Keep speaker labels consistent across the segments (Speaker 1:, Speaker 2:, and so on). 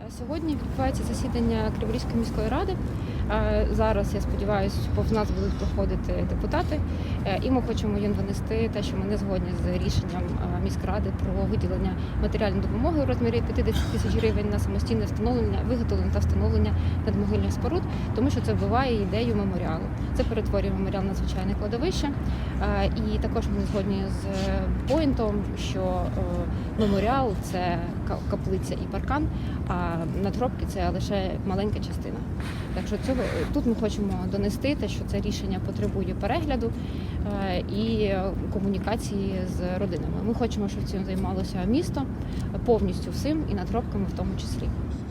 Speaker 1: Сьогодні відбувається засідання Криворізької міської ради. Зараз, я сподіваюся, повз нас будуть проходити депутати. І ми хочемо їм донести те, що ми не згодні з рішенням міськради про виділення матеріальної допомоги у розмірі 50 тисяч гривень на самостійне встановлення, виготовлення та встановлення надмогильних споруд, тому що це вбиває ідею меморіалу. Це перетворює меморіал на звичайне кладовище. І також ми не згодні з поінтом, що меморіал – це каплиця і паркан, а надгробки – це лише маленька частина. Так що тут ми хочемо донести те, що це рішення потребує перегляду і комунікації з родинами. Ми хочемо, щоб цим займалося місто повністю всім і надгробками в тому числі.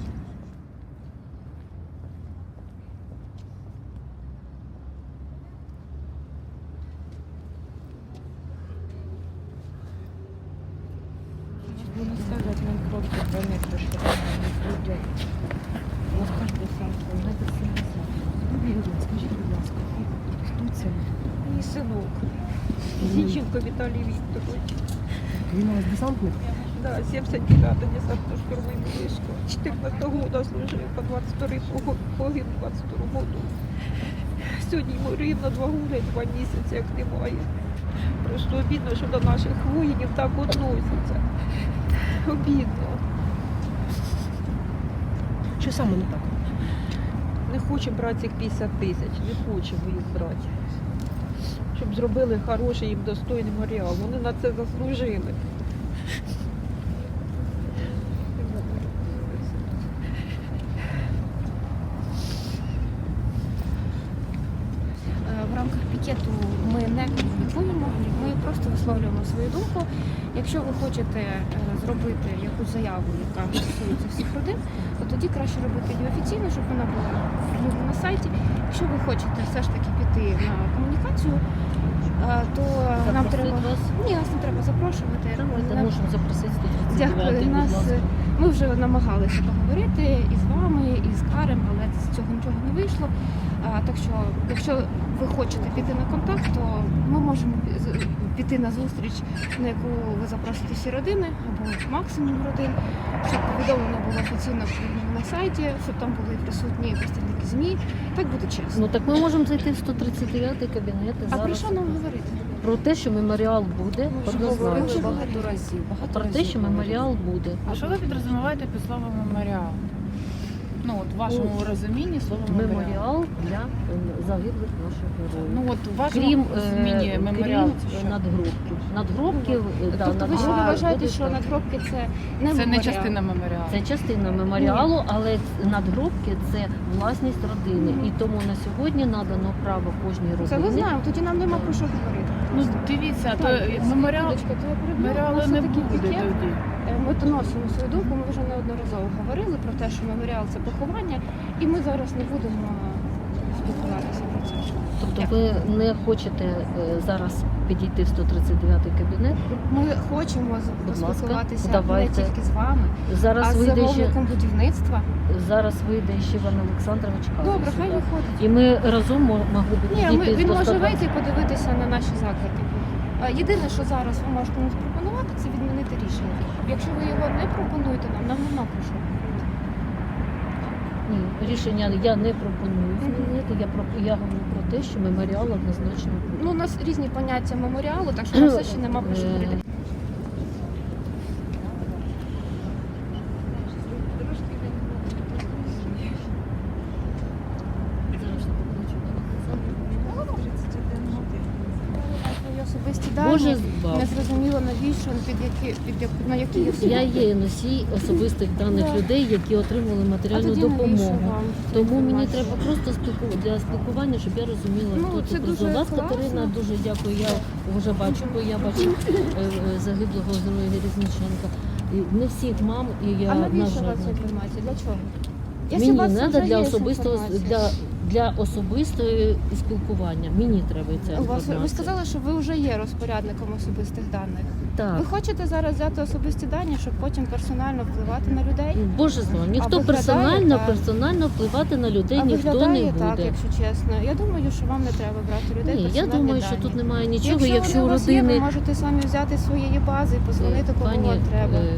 Speaker 2: Будем ставить на кропки 2 метра, чтобы она не пройдет. Вот каждый сам свой. Скажіть, будь ласка, хто це?
Speaker 3: Мій синок. Зінченко Віталій Вікторович.
Speaker 2: Він у вас десантник?
Speaker 3: Да, 79-та десантно-штурмовий вишка. 14 года служив, по 22 погиб 22 году. Сьогодні йому рівно 2 роки, 2 місяці, як немає. Просто обідно, що до наших воїнів так відносяться. Обідно.
Speaker 2: Що саме не так?
Speaker 3: Не хоче брати цих 50 тисяч, не хочемо їх брати. Щоб зробили хороший їм достойний меморіал. Вони на це заслужили.
Speaker 1: В рамках пікету ми не комунікуємо, ми просто висловлюємо свою думку. Якщо ви хочете зробити якусь заяву, яка стосується всіх родин, то тоді краще робити її офіційно, щоб вона була вільна на сайті. Якщо ви хочете все ж таки піти на комунікацію, то нам треба... Ні, нас не треба запрошувати.
Speaker 2: Ми можемо запросити 139-й,
Speaker 1: Дякую. Ми вже намагалися поговорити і з вами, і з Карем, але з цього нічого не вийшло. Так що, якщо ви хочете піти на контакт, то ми можемо піти на зустріч, на яку ви запросите всі родини, або максимум родин, щоб повідомлено було офіційно на сайті, щоб там були присутні представники ЗМІ. Так буде чесно.
Speaker 4: Ну так ми можемо зайти в 139-й кабінет і
Speaker 1: А про
Speaker 4: зараз
Speaker 1: що нам говорити?
Speaker 4: про те, що меморіал буде, однозначно.
Speaker 2: багато разів.
Speaker 4: Про те, що меморіал буде.
Speaker 5: А що ви підрозуміваєте під словом меморіал? Ну, от в вашому розумінні слово меморіал.
Speaker 4: Меморіал для загиблих наших героїв.
Speaker 5: Ну, от в вашому
Speaker 4: Крім,
Speaker 5: розумінні меморіал це
Speaker 4: крім
Speaker 5: що?
Speaker 4: надгробків. Надгробків, да,
Speaker 1: Тобто ви
Speaker 4: надгробки
Speaker 1: вважаєте,
Speaker 4: будуть
Speaker 1: що
Speaker 4: там.
Speaker 1: надгробки це не
Speaker 5: Це не
Speaker 1: меморіал?
Speaker 5: частина меморіалу.
Speaker 4: Це частина меморіалу, але надгробки це власність родини. І тому на сьогодні надано право кожній
Speaker 1: Це ми
Speaker 4: родині.
Speaker 1: знаємо, тоді нам нема про що говорити.
Speaker 5: Ну, дивіться, то
Speaker 1: Так,
Speaker 5: меморіал,
Speaker 1: секундочку, то я переб'ю. У
Speaker 5: меморіалу
Speaker 1: нас
Speaker 5: не
Speaker 1: такий
Speaker 5: буде
Speaker 1: пікет.
Speaker 5: тоді.
Speaker 1: Ми доносимо свою думку, ми вже неодноразово говорили про те, що меморіал – це поховання, і ми зараз не будемо спілкуватися про це.
Speaker 4: Тобто ви не хочете зараз підійти в 139-й кабінет?
Speaker 1: Ми хочемо
Speaker 4: ласка,
Speaker 1: поспілкуватися
Speaker 4: давайте.
Speaker 1: не тільки з вами, а
Speaker 4: Зараз
Speaker 1: з
Speaker 4: вийде ще
Speaker 1: замовником будівництва.
Speaker 4: ще Іван Олександрович Казус.
Speaker 1: Добре, хай
Speaker 4: сюди.
Speaker 1: виходить.
Speaker 4: І ми разом могли б
Speaker 1: Ні,
Speaker 4: підійти
Speaker 1: він
Speaker 4: до
Speaker 1: може
Speaker 4: 120.
Speaker 1: вийти і подивитися на наші заклики. Єдине, що зараз ви можете нам запропонувати, це відмінити рішення. Якщо ви його не пропонуєте нам нема про що говорити.
Speaker 4: Ні, рішення я не пропоную змінити. Я говорю про те, що меморіал однозначно буде.
Speaker 1: Ну, у нас різні поняття меморіалу, так що на все ще нема про що говорити. Свої особисті
Speaker 4: Боже
Speaker 1: дані,
Speaker 4: збав.
Speaker 1: не зрозуміло навіщо, на які
Speaker 4: Я є носій особистих даних
Speaker 1: Да.
Speaker 4: людей, які отримали
Speaker 1: А
Speaker 4: матеріальну
Speaker 1: тоді навіщо
Speaker 4: допомогу.
Speaker 1: вам ця
Speaker 4: Тому мені
Speaker 1: інформація?
Speaker 4: треба просто для спілкування, щоб я розуміла,
Speaker 1: Ну,
Speaker 4: хто
Speaker 1: це
Speaker 4: тут
Speaker 1: дуже
Speaker 4: прожив. Вас,
Speaker 1: класно.
Speaker 4: Катерина, дуже дякую. Я вже бачу, бо я бачу загиблого героя Різниченка. І не всіх мам, і я
Speaker 1: А
Speaker 4: на
Speaker 1: навіщо
Speaker 4: жаль,
Speaker 1: вам ця
Speaker 4: не-
Speaker 1: інформація? Для чого?
Speaker 4: мені
Speaker 1: у вас
Speaker 4: треба
Speaker 1: вже
Speaker 4: для
Speaker 1: є
Speaker 4: особистого
Speaker 1: інформація.
Speaker 4: для особистого спілкування. Мені треба ця
Speaker 1: У вас,
Speaker 4: інформація.
Speaker 1: ви сказали, що ви вже є розпорядником особистих даних.
Speaker 4: Так.
Speaker 1: Ви хочете зараз взяти особисті дані, щоб потім персонально впливати на людей?
Speaker 4: Боже знає, ніхто
Speaker 1: виглядає
Speaker 4: персонально впливати на людей
Speaker 1: А
Speaker 4: ніхто не
Speaker 1: виглядає
Speaker 4: буде.
Speaker 1: так, якщо чесно. Я думаю, що вам не треба брати людей
Speaker 4: Ні, я
Speaker 1: персональні
Speaker 4: думаю,
Speaker 1: дані.
Speaker 4: що тут немає нічого,
Speaker 1: Якщо
Speaker 4: якщо
Speaker 1: вони
Speaker 4: у
Speaker 1: у вас є, ви
Speaker 4: родини
Speaker 1: можете самі взяти з своєї бази і позвонити, кого
Speaker 4: пані,
Speaker 1: вам треба.